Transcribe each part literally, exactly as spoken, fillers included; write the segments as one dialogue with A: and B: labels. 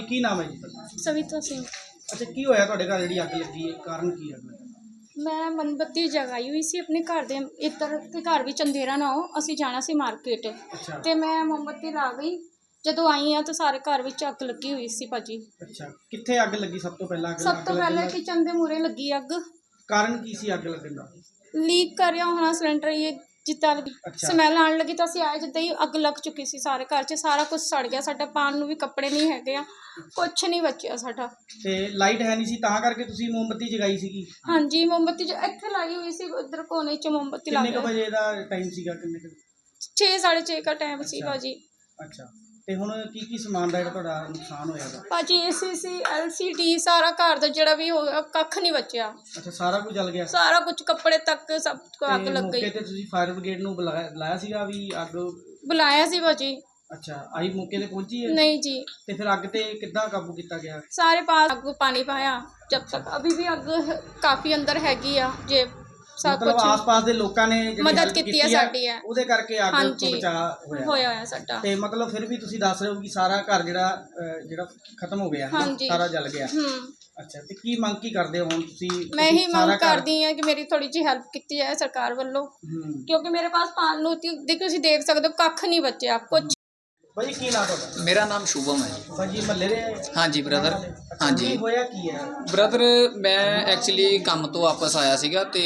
A: ਕੀ ਨਾਮ ਹੈ ਜੀ ਤੁਹਾਡਾ?
B: सविता सिंह।
A: ਅੱਛਾ, ਕੀ ਹੋਇਆ ਤੁਹਾਡੇ ਘਰ ਜਿਹੜੀ ਅੱਗ ਲੱਗੀ ਹੈ, ਕਾਰਨ ਕੀ ਹੈ?
B: मैं मोमबत्ती जगाई हुई सी अपने घर दे इधर के घर भी अंधेरा ना हो, असी जाना सी मार्केट
A: अच्छा
B: ते मैं मोमबत्ती ला गई। जदों आई हाँ तो सारे घर विच अग लगी हुई सी भाजी।
A: अच्छा, कित्थे अग लगी? सब तो पहला
B: सब तो पहले किचन दे मूहरे लगी अग।
A: कारण की सी अग लगन दा?
B: लीक कर रहा होना सिलेंडर, ये जिद्दां
A: अच्छा।
B: स्मैल आने लगी तो असीं आए, जिद्दां ही अग लग चुकी सी सारे घर च, सारा कुछ सड़ गया। साडा पान नूं भी कपड़े नहीं हैगे आ, कुछ नहीं बचिया साडा।
A: ते लाइट है नहीं सी तां करके तुसीं मोमबत्ती जगाई सीगी?
B: हाँ जी, मोमबत्ती जो इत्थे लाई हुई सी, उधर कोने च मोमबत्ती ला
A: किन्ने क
B: के
A: बजे दा टाइम सीगा? किन्ने क?
B: छे साढ़े छे का टाइम सी भाजी।
A: अच्छा, ਤੇ ਹੁਣ ਕੀ ਕੀ ਸਮਾਨ ਦਾ ਜਿਹੜਾ ਤੁਹਾਡਾ ਨੁਕਸਾਨ ਹੋਇਆ ਵਾ?
B: ਭਾਜੀ ਏਸੀ ਸੀ, ਐਲ ਸੀ ਡੀ, ਸਾਰਾ ਘਰ ਦਾ ਜਿਹੜਾ ਵੀ ਹੋਇਆ ਕੱਖ ਨਹੀਂ ਬਚਿਆ।
A: ਅੱਛਾ, ਸਾਰਾ ਕੁਝ ਜਲ ਗਿਆ?
B: ਸਾਰਾ ਕੁਝ, ਕੱਪੜੇ ਤੱਕ ਸਭ ਕੁ ਅੱਗ ਲੱਗ ਗਈ।
A: ਮੌਕੇ ਤੇ ਤੁਸੀਂ ਫਾਇਰ ਬ੍ਰਿਗੇਡ ਨੂੰ ਬੁਲਾਇਆ ਬੁਲਾਇਆ ਸੀਗਾ ਵੀ ਅੱਗ?
B: ਬੁਲਾਇਆ ਸੀ ਭਾਜੀ।
A: ਅੱਛਾ, ਆਈ ਮੌਕੇ ਤੇ ਪਹੁੰਚੀ ਹੈ?
B: नहीं जी,
A: ਤੇ ਫਿਰ ਅੱਗ ਤੇ ਕਿੱਦਾਂ ਕਾਬੂ ਕੀਤਾ ਗਿਆ?
B: सारे पास अग पानी पाया जब तक, अभी भी अग काफ़ी अंदर हैगी आ जे सब
A: ਮਤਲਬ
B: कुछ
A: ਆਸ-ਪਾਸ ਦੇ ਲੋਕਾਂ ਨੇ ਜਿਹੜੀ
B: ਮਦਦ
A: help
B: ਕੀਤੀ ਹੈ
A: ਆ,
B: ਸਾਡੀ ਹੈ।
A: ਉਹਦੇ ਕਰਕੇ ਅੱਗ ਤੋਂ
B: ਹਾਂਜੀ,
A: ਬਚਾਅ ਹੋਇਆ
B: ਹੋਇਆ ਹੋਇਆ ਸਾਡਾ।
A: ਤੇ ਮਤਲਬ ਫਿਰ ਵੀ ਤੁਸੀਂ ਦੱਸ ਰਹੇ ਹੋ ਕਿ ਸਾਰਾ ਘਰ ਜਿਹੜਾ ਅਹ, ਜਿਹੜਾ ਖਤਮ ਹੋ ਗਿਆ,
B: ਹਾਂਜੀ।
A: ਸਾਰਾ ਜਲ ਗਿਆ।
B: ਹੂੰ,
A: ਅੱਛਾ, ਤੇ ਕੀ ਮੰਗ ਕੀ ਕਰਦੇ ਹੋ ਹੁਣ ਤੁਸੀਂ?
B: ਮੈਂ ਹੀ
A: ਸਾਰਾ
B: ਮੰਗ
A: ਘਰ-
B: ਕਰਦੀ ਹਾਂ ਕਿ ਮੇਰੀ ਥੋੜੀ ਜਿਹੀ ਹੈਲਪ ਕੀਤੀ ਜਾਏ ਸਰਕਾਰ ਵੱਲੋਂ,
A: ਹੂੰ।
B: ਕਿਉਂਕਿ ਮੇਰੇ ਪਾਸ ਪਾਣ ਨੂੰ ਤੀ- ਦੇਖੋ ਤੁਸੀਂ ਦੇਖ ਸਕਦੇ ਹੋ ਕੱਖ ਨਹੀਂ ਬਚਿਆ ਕੁਛ।
A: ਭਾਜੀ ਕੀ ਨਾਮ ਤੁਹਾਡਾ?
C: ਮੇਰਾ ਨਾਮ ਸ਼ੁਭਮ ਹੈ ਜੀ।
A: ਭਾਜੀ ਮਹੱਲੇ ਦੇ?
C: ਹਾਂਜੀ ਬ੍ਰਦਰ।
A: ਅੱਛਾ,
C: ਹਾਂਜੀ
A: ਕੀ ਹੋਇਆ ਕੀ ਹੈ?
C: ਬ੍ਰਦਰ, ਮੈਂ ਐਕਚੁਅਲੀ ਕੰਮ ਤੋਂ ਵਾਪਸ ਆਇਆ ਸੀਗਾ ਤੇ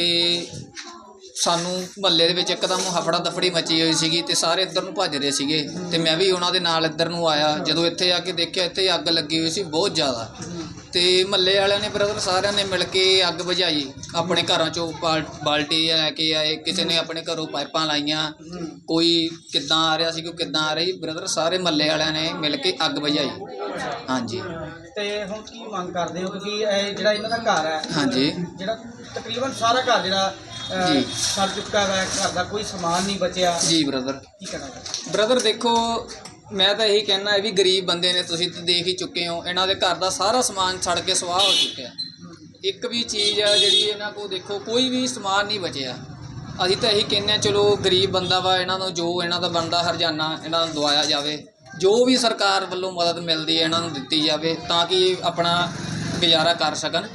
C: ਸਾਨੂੰ ਮਹੱਲੇ ਦੇ ਵਿੱਚ ਇੱਕਦਮ ਹਫੜਾ ਦਫੜੀ ਮਚੀ ਹੋਈ ਸੀਗੀ ਤੇ ਸਾਰੇ ਇੱਧਰ ਨੂੰ ਭੱਜ ਰਹੇ ਸੀਗੇ ਤੇ ਮੈਂ ਵੀ ਉਹਨਾਂ ਦੇ ਨਾਲ ਇੱਧਰ ਨੂੰ ਆਇਆ। ਜਦੋਂ ਇੱਥੇ ਆ ਕੇ ਦੇਖਿਆ, ਇੱਥੇ ਅੱਗ ਲੱਗੀ ਹੋਈ ਸੀ ਬਹੁਤ ਜ਼ਿਆਦਾ, ਤੇ ਮਹੱਲੇ ਵਾਲਿਆਂ ਨੇ ਬ੍ਰਦਰ ਸਾਰਿਆਂ ਨੇ ਮਿਲ ਕੇ ਅੱਗ ਬੁਝਾਈ। ਆਪਣੇ ਘਰਾਂ ਚੋਂ ਬਾਲ ਬਾਲਟੀ ਲੈ ਕੇ ਆਏ, ਕਿਸੇ ਨੇ ਆਪਣੇ ਘਰੋਂ ਪਾਈਪਾਂ ਲਾਈਆਂ, ਕੋਈ ਕਿੱਦਾਂ ਆ ਰਿਹਾ ਸੀ, ਕੋਈ ਕਿੱਦਾਂ ਆ ਰਹੀ, ਬ੍ਰਦਰ ਸਾਰੇ ਮਹੱਲੇ ਵਾਲਿਆਂ ਨੇ ਮਿਲ ਕੇ ਅੱਗ ਬੁਝਾਈ। ਹਾਂਜੀ।
A: ਤੇ ਹੁਣ ਕੀ ਮੰਗ ਕਰਦੇ ਹੋ? ਕਿਉਂਕਿ ਇਹ ਜਿਹੜਾ ਇਹਨਾਂ ਦਾ ਘਰ ਹੈ,
C: ਹਾਂਜੀ।
A: ਜਿਹੜਾ ਤਕਰੀਬਨ ਸਾਰਾ ਘਰ ਜਿਹੜਾ ਅਹ,
C: ਜੀ।
A: ਸੜ ਚੁੱਕਾ ਹੈ, ਘਰ ਦਾ ਕੋਈ ਸਮਾਨ ਨਹੀਂ ਬਚਿਆ।
C: ਜੀ ਬ੍ਰਦਰ।
A: ਕੀ ਕਰਨਾ
C: ਬ੍ਰਦਰ ਦੇਖੋ, ਮੈਂ ਤਾਂ ਇਹੀ ਕਹਿਣਾ, ਇਹ ਵੀ ਗਰੀਬ ਬੰਦੇ ਨੇ, ਤੁਸੀਂ ਤਾਂ ਦੇਖ ਹੀ ਚੁੱਕੇ ਹੋ, ਇਹਨਾਂ ਦੇ ਘਰ ਦਾ ਸਾਰਾ ਸਮਾਨ ਸੜ ਕੇ ਸੁਆਹ ਹੋ ਚੁੱਕਿਆ। ਇੱਕ ਵੀ ਚੀਜ਼ ਆ ਜਿਹੜੀ ਇਹਨਾਂ ਕੋਲ ਦੇਖੋ, ਕੋਈ ਵੀ ਸਮਾਨ ਨਹੀਂ ਬਚਿਆ। ਅਸੀਂ ਤਾਂ ਇਹੀ ਕਹਿੰਦੇ ਹਾਂ, ਚਲੋ ਗਰੀਬ ਬੰਦਾ ਵਾ, ਇਹਨਾਂ ਨੂੰ ਜੋ ਇਹਨਾਂ ਦਾ ਬਣਦਾ ਹਰਜਾਨਾ ਇਹਨਾਂ ਨੂੰ ਦਵਾਇਆ ਜਾਵੇ, ਜੋ ਵੀ ਸਰਕਾਰ ਵੱਲੋਂ ਮਦਦ ਮਿਲਦੀ ਹੈ ਇਹਨਾਂ ਨੂੰ ਦਿੱਤੀ ਜਾਵੇ ਤਾਂ ਕਿ ਇਹ ਆਪਣਾ ਗੁਜ਼ਾਰਾ ਕਰ ਸਕਣ।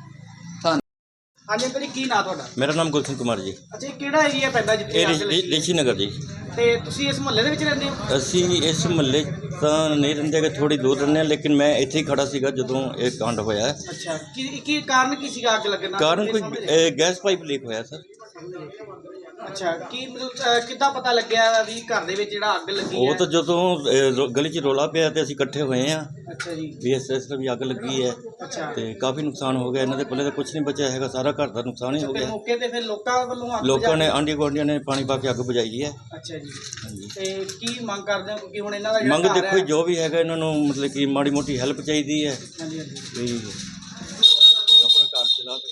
A: ਹਾਂਜੀ ਅੰਕਲ ਜੀ, ਕੀ ਨਾਂ ਤੁਹਾਡਾ?
D: मेरा नाम गुलशन कुमार जी।
A: ਅੱਛਾ, ਇਹ ਕਿਹੜਾ ਏਰੀਆ ਪੈਂਦਾ ਜਿੱਥੇ
D: ਇਹ
A: ਅੱਗ ਲੱਗੀ?
D: ਰਿਸ਼ੀ ਨਗਰ ਜੀ।
A: ਤੇ ਤੁਸੀਂ ਇਸ ਮੁਹੱਲੇ ਦੇ ਵਿੱਚ ਰਹਿੰਦੇ ਹੋ?
D: ਅਸੀਂ ਇਸ ਮੁਹੱਲੇ ਤਾਂ ਨਹੀਂ ਰਹਿੰਦੇ ਕਿ ਥੋੜੀ ਦੂਰ ਰਹਿੰਦੇ ਹਾਂ, ਲੇਕਿਨ ਮੈਂ ਇੱਥੇ ਹੀ ਖੜਾ ਸੀਗਾ ਜਦੋਂ ਇਹ ਕਾਂਡ ਹੋਇਆ।
A: ਅੱਛਾ, ਕੀ ਕੀ ਕਾਰਨ ਕੀ ਸੀਗਾ ਅੱਗ ਲੱਗਣ ਦਾ?
D: ਕਾਰਨ
A: ਇਹ
D: ਕੋਈ
A: ਸਮਝ-
D: ਇਹ ਗੈਸ ਪਾਈਪ ਲੀਕ ਹੋਇਆ ਸਰ।
A: ਅੱਛਾ, ਕੀ ਮਤਲਬ ਅਹ, ਕਿੱਦਾਂ ਪਤਾ ਲੱਗਿਆ ਵੀ ਘਰ ਦੇ ਵਿੱਚ ਜਿਹੜਾ ਅੱਗ ਲੱਗੀ
D: ਉਹ
A: ਹੈ?
D: ਤਾਂ ਜਦੋਂ ਇਹ ਰੋ- ਗਲੀ 'ਚ ਰੋਲਾ ਪਿਆ ਤੇ ਅਸੀਂ ਇਕੱਠੇ ਹੋਏ ਹਾਂ
A: ਅੱਛਾ ਜੀ।
D: ਵੀ ਇਸ ਇਸ ਤਰ੍ਹਾਂ ਵੀ ਅੱਗ ਲੱਗੀ ਹੈ
A: ਅੱਛਾ,
D: ਤੇ ਕਾਫੀ ਨੁਕਸਾਨ ਹੋ ਗਿਆ। ਇਹਨਾਂ ਦੇ ਕੋਲੇ ਤਾਂ ਕੁਝ ਨਹੀਂ ਬਚਿਆ ਹੈਗਾ, ਸਾਰਾ ਘਰ ਦਾ ਨੁਕਸਾਨ ਹੀ ਹੋ
A: ਤੇ
D: ਗਿਆ।
A: ਮੌਕੇ ਤੇ ਫਿਰ ਲੋਕਾਂ ਵੱਲੋਂ ਅੱਗ
D: ਲੋਕਾਂ ਨੇ,
A: ਬੁਝਾ-
D: ਆਂਢੀ ਗੁਆਂਢੀਆਂ ਨੇ ਪਾਣੀ ਪਾ ਕੇ ਅੱਗ ਬੁਝਾਈ ਹੈ।
A: ਅੱਛਾ ਜੀ।
D: ਹਾਂਜੀ।
A: ਤੇ ਕੀ ਮੰਗ ਕਰਦੇ ਹੋ? ਕਿਉਂਕਿ ਹੁਣ ਇਹਨਾਂ ਦਾ ਜਿਹੜਾ
D: ਮੰਗ
A: ਘਰ
D: ਦੇਖੋ
A: ਹੈ-
D: ਜੋ ਵੀ ਹੈਗਾ, ਇਹਨਾਂ ਨੂੰ ਮਤਲਬ ਕਿ ਮਾੜੀ ਮੋਟੀ ਹੈਲਪ ਚਾਹੀਦੀ ਹੈ
A: ਹਾਂਜੀ ਹਾਂਜੀ।
D: ਵੀ